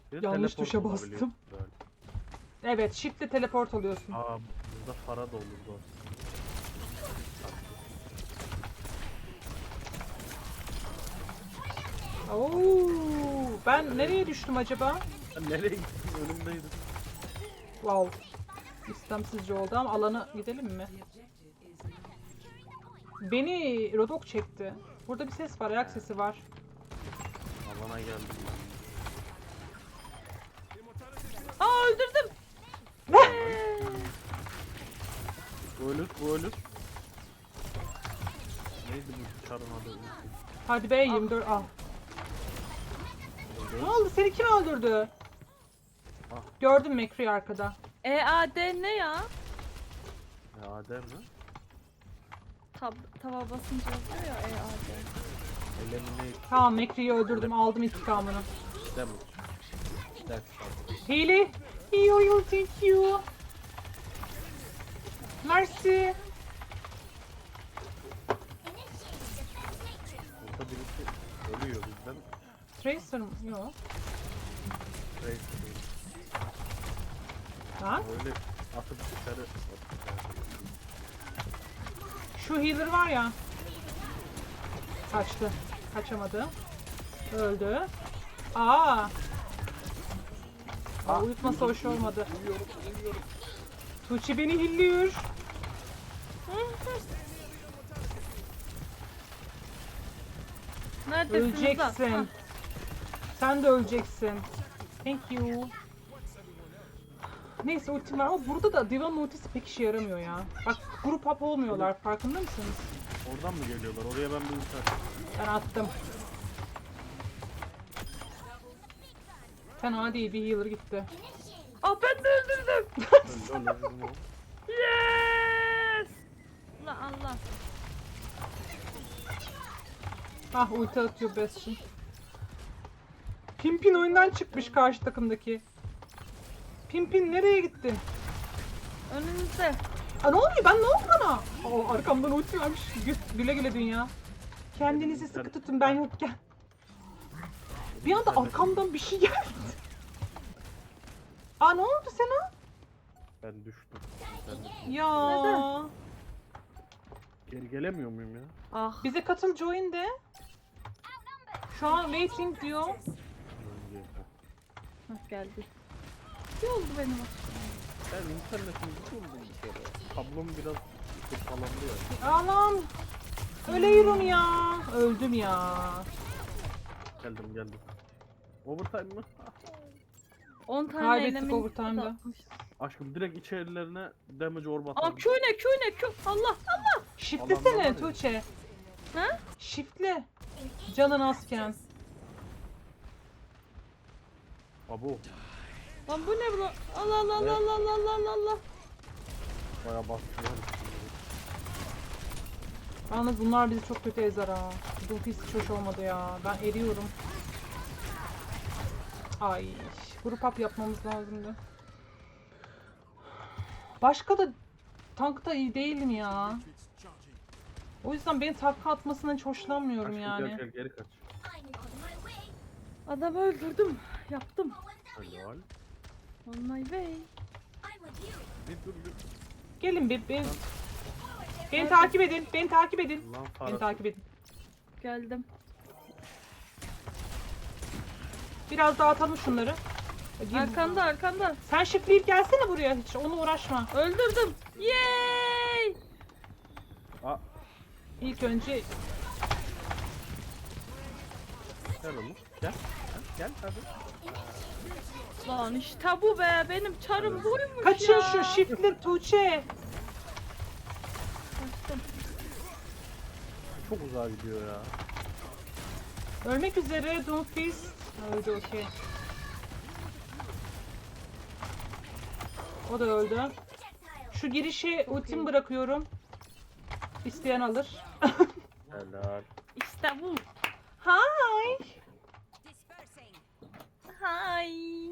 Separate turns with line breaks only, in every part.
Bir
Yanlış
teleport
tuşa
olabiliyor
bastım.
böyle.
Evet, shift'le teleport oluyorsun.
Aa, burada para da olurdu aslında.
Oo, ben nereye düştüm acaba?
Sen nereye gittin? Önümdeydin.
Wow. İstemsizce oldu ama alana gidelim mi? Beni Rodok çekti. Burada bir ses var, ayak sesi var.
Alana geldim ben.
Aa öldürdüm.
Bu ölür, bu ölür. Neydi bu çarın adı?
Hadi be 24 al. Ne oldu? Seni kim öldürdü?
Ah.
Gördüm Mekri arkada.
EAD ne ya?
Ya Adem mi?
Tava basınca oluyor ya EAD.
Eliminate
Tamam Mekri'yi öldürdüm, aldım intikamını.
damage. That's
Hile. Yo, thank you. Mercy.
Burada birisi ölüyor bizden.
Tracer mı? Yok.
Trace
Ha?
öyle atıp dışarı.
Şu healer var ya. Kaçtı. Kaçamadı. Öldü. Aa. Aa, uyutması hoş olmadı. Tuğçe beni hilliyor.
Neredesiniz lan?
Öleceksin.
Ha,
Sen de öleceksin. Thank you. Neyse ultim var ama burada da Divan ultisi pek işe yaramıyor ya. Bak grup up olmuyorlar, farkında mısınız?
Oradan mı geliyorlar? Oraya ben bir ulti atayım.
Ben attım. Fena değil, bir healer gitti.
Aa ben de öldürdüm.
Öldü öldü mü?
Yes. Allah Allah.
Ah ulti atıyor Bastion. Pimpin oyundan çıkmış karşı takımdaki. Pimpin nereye gittin?
Önünüzde.
Aa, ne oluyor? Ben ne oldu bana? Aa, arkamdan ulti vermiş. Güle güle dünya. Kendinizi sıkı tutun ben yokken. Bir anda arkamdan bir şey geldi. Aa ne oldu sana?
Ben düştüm. Ben de
Ya.
Neden?
geri gelemiyor muyum ya?
Ah.
Bize katıl join de. Şu an waiting diyor.
Önce.
Hah, geldi. Ne oldu benim aşkım?
Ben internetim buldum bir kere. Kablom biraz kırpalandı ya.
Anam. Ölüyorum ya. Öldüm ya.
Geldim. Overtime mı?
10 tane
Kaybettik
elemin
overtime'da.
atmış.
Aşkım direkt içerilerine damage orb
Aa
atalım.
Q ne Q. Allah.
Shiftlesene
Alanlar var ya.
Tuğçe.
Ha?
Shiftle. Canın azken.
Abo.
Lan bu ne bu lan? Allah Allah Allah Allah Allah Allah Allah.
Baya bastırıyor.
Yalnız bunlar bizi çok kötü ezer ha. Dulfis hiç hoş olmadı ya. Ben eriyorum. Ay, grup up yapmamız lazımdı. Başka da tankta iyi değilim ya. O yüzden beni takla atmasından hiç hoşlanmıyorum
Aşkım
yani.
gel geri kaç.
Adamı öldürdüm. Yaptım.
Helal.
On my way.
Bir dur.
Gelin beni takip edin. Beni takip edin.
Lan
Beni
parası.
takip edin.
Geldim.
Biraz daha atalım şunları.
Arkanda.
Sen şifleyip gelsene buraya hiç. Onunla uğraşma.
Öldürdüm. Yay!
Aa,
İlk önce
gel oğlum. Gel hadi.
Lan işte bu be. Benim çarım buymuş
kaçın
ya.
şu şifle Tuğçe.
Kaçtım.
Çok uzağa gidiyor ya.
Ölmek üzere Doomfist. Öldü okey. O da öldü. Şu girişe ultim bırakıyorum. İsteyen alır.
Helal.
İşte bu.
Hi.
Hi.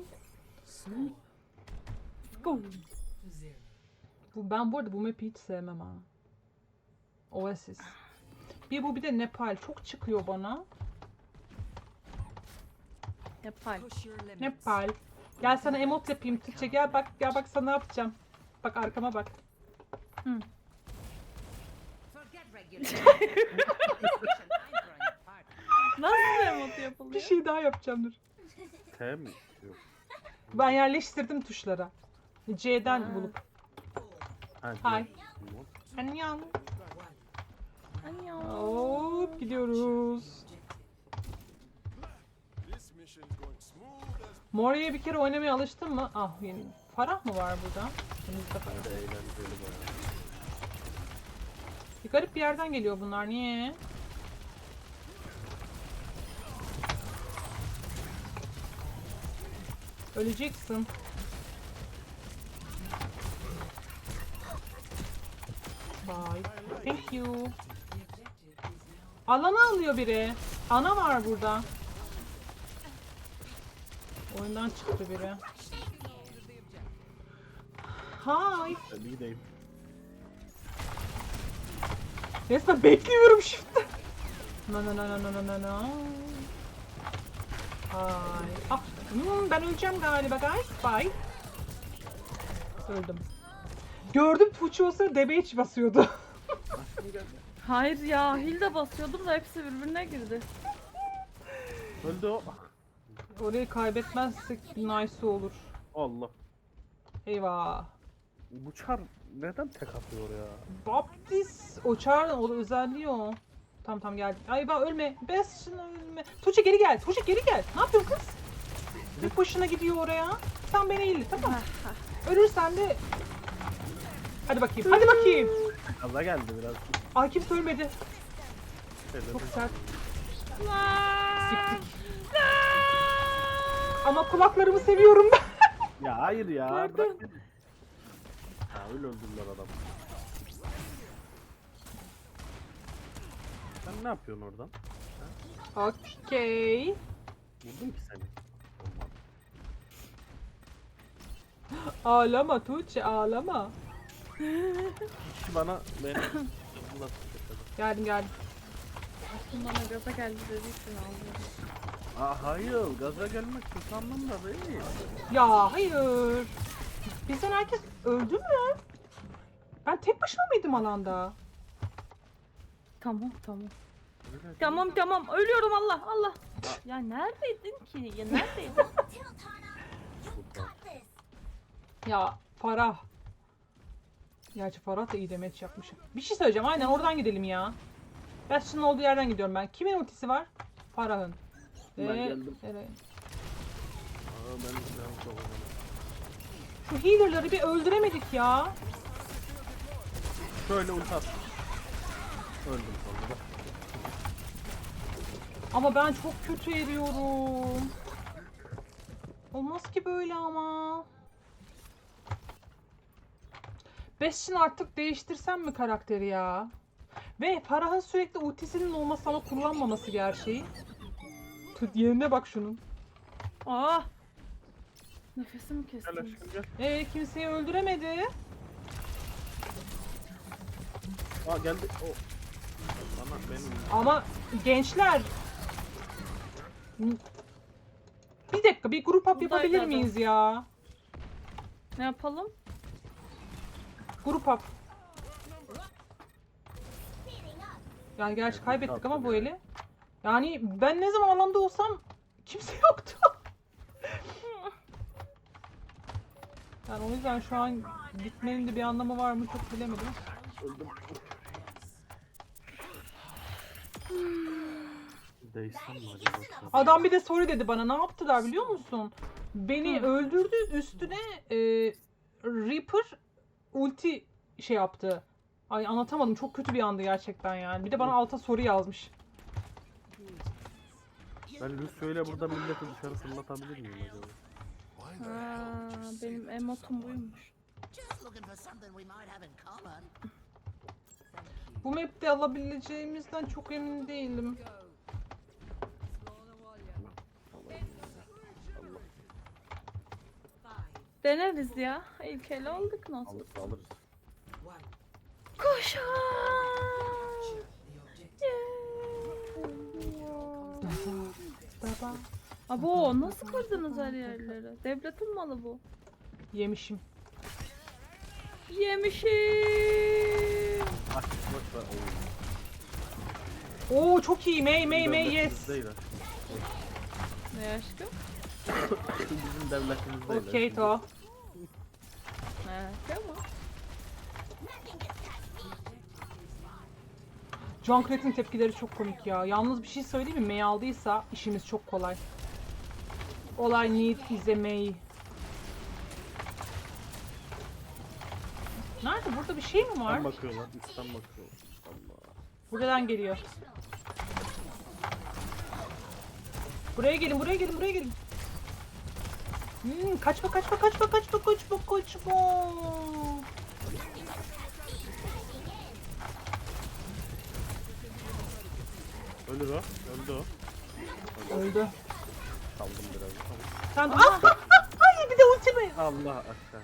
Go.
Ben bu arada bu map'i hiç sevmem ha. Oasis. Bir de Nepal çok çıkıyor bana.
Yapay.
Nepal. Gel sana emot yapayım Tuğçe, gel bak sana ne yapacağım. Bak arkama bak.
Hı. Nasıl bir emot
Bir
yapılıyor?
şey daha yapacağım dur.
T mi? Yok.
Ben yerleştirdim tuşlara. C'den
Ha.
bulup.
Ha,
Hay.
yok.
Annyeong.
Anyo.
Hop gidiyoruz. Mori'ye bir kere oynamaya alıştın mı? Ah yeni. Farah mı var burada? Önümüzde Farah.
Eğlenceli bayağı.
Bir garip bir yerden geliyor bunlar. Niye? Öleceksin. Bye. Thank you. Alanı alıyor biri. Ana var burada. Oyundan çıktı biri. Hi.
Ben bir gideyim.
Resmen bekliyorum shift'te. No no no no no no no no. Hi. Ah, ben öleceğim galiba guys. Bye. Öldüm. Gördüm Tuğçe olsa DBH basıyordu.
Hayır ya, Hilda basıyordum da hepsi birbirine girdi.
Öldü o.
Orayı kaybetmezsek nice olur.
Allah.
Eyvah.
Bu çar neden tek atıyor ya?
Baptist. O çağrı o özelliği o. Tamam geldik. Ay bak ölme. Best ölme. Tuğçe geri gel. Tuğçe geri gel. Ne yapıyorsun kız? Bir başına gidiyor oraya. Sen beni eğil tamam. Ölürsen de... Hadi bakayım. Hadi bakayım.
Gaza geldi biraz.
Ay kimse ölmedi. Çok sert. Siktik. Ama kulaklarımı seviyorum ben.
Ya hayır ya.
Pardon.
Bırak beni. Ha öyle öldürdüler adamı. Sen ne yapıyorsun oradan?
Okey.
Vurdum ki seni. Olmadı.
Ağlama Tuğçe ağlama.
Kişi bana beni Allah
Geldim.
Aslında bana gaza geldi dediği için ağlıyorum.
hayır gaza gelmek kötü anlamda değil.
Ya hayır. Bizden herkes öldü mü? Ben tek başıma mıydım alanda?
Tamam.
Öyle
Tamam, ölüyorum Allah. Ya neredeydin ki? Ya neredeydin?
Ya Farah. Gerçi Farah da iyi demeç yapmış. Bir şey söyleyeceğim. Aynen oradan gidelim ya. Bastion'ın olduğu yerden gidiyorum ben. Kimin ultisi var? Farah'ın.
Ben geldim.
Evet.
Aa, ben silahım çok uzun.
Şu healer'ları bir öldüremedik ya.
Şöyle ulti at. Öldüm sonra da.
Ama ben çok kötü eriyorum. Olmaz ki böyle ama. Bastion artık değiştirsem mi karakteri ya? Ve Farah'ın sürekli ultisinin olması ama kullanmaması gerçeği. Yerine bak şunun.
Aa! Nefesimi
Gel
kestim.
aşkım gel.
Kimseyi öldüremedi.
Aa geldi. O. Bana benim.
Ama gençler. Bir dakika bir grup up
Buradaydı
yapabilir
adam.
miyiz ya?
Ne yapalım?
Grup up. Yani gerçi kaybettik ama bu eli. Yani ben ne zaman alanda olsam kimse yoktu. Yani o yüzden şu an gitmenin de bir anlamı var mı çok bilemedim.
Öldüm. Değişsem mi acaba?
Adam bir de sorry dedi bana. Ne yaptılar biliyor musun? Beni öldürdü üstüne Reaper ulti şey yaptı. Ay anlatamadım. Çok kötü bir andı gerçekten yani. Bir de bana alta soru yazmış.
Ben Lucio'yla burada milleti dışarı fırlatabilir miyim acaba?
Benim emotum buymuş.
Bu map'te alabileceğimizden çok emin değilim.
Deneriz ya. İlk ele olduk nasıl?
Alırız.
Koşar!
Baba.
Abo nasıl kırdınız her yerleri? Devletin malı bu.
Yemişim.
Yemişim.
Aç bak da
Oo çok iyi. May yes.
Değil,
Ne aşkım?
bizim devletimiz değil.
Okey to.
Ne aşkım?
Junkrat'ın tepkileri çok komik ya. Yalnız bir şey söyleyeyim mi? May aldıysa işimiz çok kolay. All I need is a May. Nerede? Burada bir şey mi var?
Üstten bakıyorlar, üstten bakıyorlar. Allah.
Buradan geliyor. Buraya gelin, buraya gelin, buraya gelin. Kaçma.
Ölür o, öldü o.
Öldü.
Kaldım biraz.
Sen de... Ay bir de ultimi.
Allah aşağı.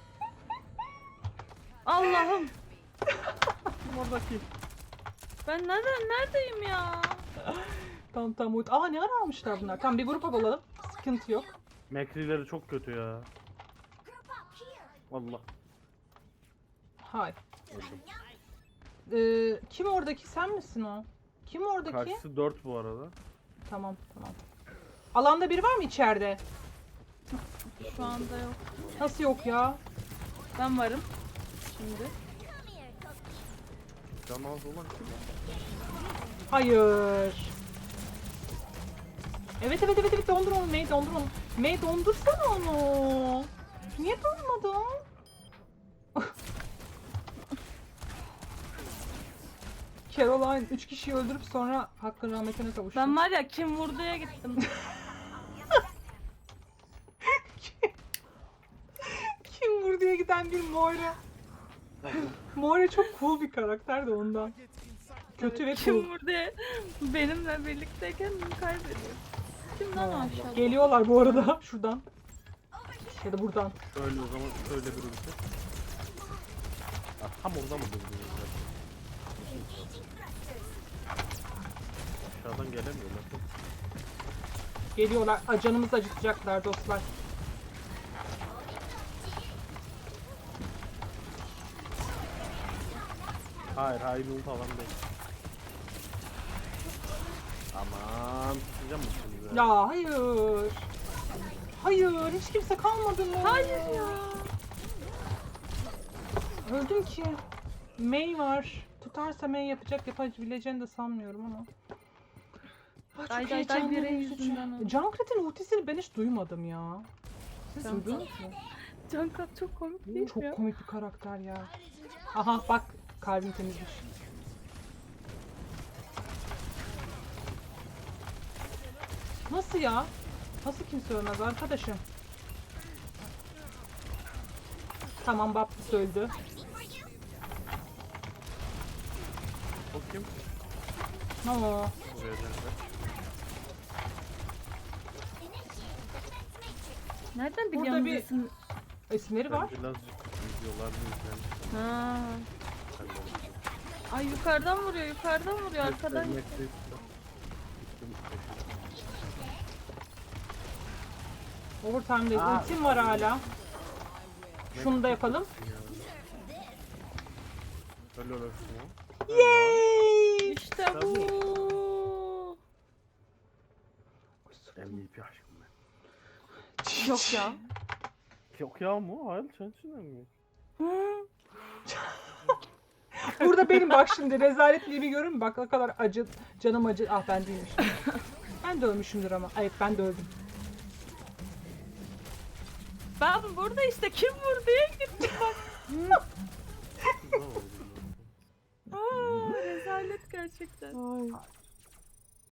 Allah'ım.
Oradaki.
Ben neredeyim ya?
Tamam ulti. Ne ara almışlar bunlar? Tamam bir grup alalım. Sıkıntı yok.
Mekrileri çok kötü ya. Allah.
Hay.
Öldüm.
Kim oradaki? Sen misin o? Kim oradaki?
Karşısı 4 bu arada.
Tamam. Alanda biri var mı içeride?
Şu anda yok.
Nasıl yok ya?
Ben varım. Şimdi.
Can az olan kim?
Hayır. Evet dondur onu May dondur onu. May dondursana onu. Niye durmadın? Caroline 3 kişiyi öldürüp sonra hakkın rahmetine kavuştu.
Ben var ya kim vurduya gittim.
Kim vurduya giden bir Moira. Moira çok cool bir karakter de ondan. Kötü ve cool.
Kim vurduya benimle birlikteyken kaybediyor. Kimden aşağı?
Geliyorlar bu arada şuradan. Ya da buradan.
Şöyle o zaman şöyle bir ülke. Tam orada mı durdunuz? Aşağıdan gelemiyorlar.
Geliyorlar. Canımızı acıtacaklar dostlar.
Hayır, hain falan değil. Aman, tutacağım mı şimdi?
Ya hayır. Hayır hiç kimse kalmadı mı?
Hayır ya.
Öldüm ki. May var. Tutarsa May yapabileceğini de sanmıyorum ama. Çok
Day
heyecanlı
biri
bir üzücü.
yüzünden oldu.
Junkrat'ın ultisini ben hiç duymadım ya. Siz
Junkrat.
duydunuz mu?
Cankat çok komik değil mi
Çok
ya?
komik bir karakter ya. Aha bak kalbim temizmiş. Nasıl ya? Nasıl kimse ölmez arkadaşım? Tamam Baptist öldü.
O kim?
No.
Buraya dönecek.
Nereden
Burada
biliyorsun
bir-
isim?
İsimleri var.
Ben birazcık videolarını izlemiştim.
Ha.
Ben de unuttum.
Ay yukarıdan vuruyor arkadan.
Netflix'te.
Overtime'dayız.
Aa.
Ultim var hala. Şunu da yapalım.
Öyle olursun ya.
Yay!
İşte bu.
MVP aşkım ben.
Yok ya.
Yok ya mu? Hayır sensin mi?
Burada benim bak şimdi rezaletliğimi görün mü? Bak ne kadar acı, canım acı. Ah ben değilmişim. Ben de ölmüşümdür ama. Evet ben de öldüm.
Ben burada işte kim vurduya gittim bak. Aa, rezalet gerçekten.
Ay.